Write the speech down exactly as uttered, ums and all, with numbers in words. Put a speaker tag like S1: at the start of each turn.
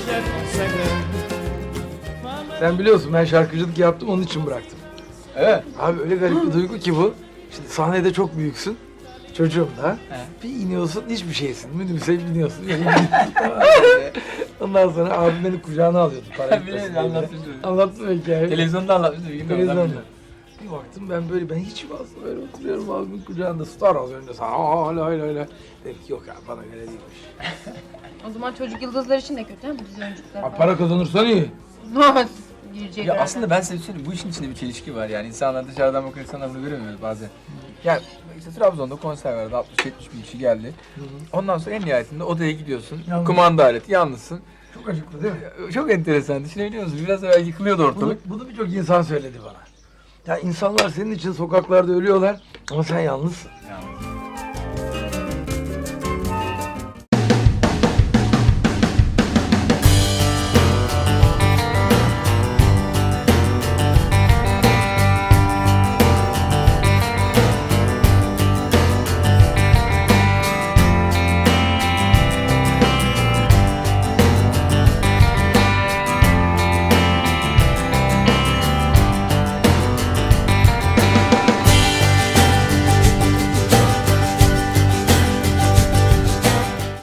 S1: Sen biliyorsun ben şarkıcılık yaptım, onun için bıraktım.
S2: Evet.
S1: Abi öyle garip bir duygu ki bu. Şimdi sahnede çok büyüksün. Çocuğum da. Bir iniyorsun hiçbir şeysin. Minibüse biniyorsun. Ondan sonra abim beni kucağına alıyordu. Para
S2: Biliyorum, anlatmıştım.
S1: Anlattın mı hikayeyi?
S2: Televizyonda anlatmıştım. Bir gün de
S1: Televizyonda.
S2: anlatmıştım.
S1: Bir baktım ben böyle, ben hiç fazla böyle oturuyorum abimin kucağında. Star az önce sana hala hala hala. Dedim ki yok abi bana göre değilmiş.
S3: O zaman çocuk yıldızlar için de kötü ha bu dizi oyunculukları
S1: Ha, para kazanırsan iyi.
S3: Girecekler.
S2: Ya aslında ben size söyleyeyim, bu işin içinde bir çelişki var yani. İnsanlar dışarıdan bakan insanlar bunu göremiyoruz bazen. Yani işte Trabzon'da konser vardı, altmış yetmiş bin kişi geldi. Ondan sonra en nihayetinde odaya gidiyorsun,
S1: Yalnız.
S2: kumanda aleti, yalnızsın.
S1: Çok acıklı değil mi?
S2: Çok enteresan, düşünebiliyor musun? Biraz evvel yıkılıyordu
S1: Bunu,
S2: ortalık.
S1: bunu birçok insan söyledi bana. Ya insanlar senin için sokaklarda ölüyorlar ama sen yalnızsın.
S2: Yani.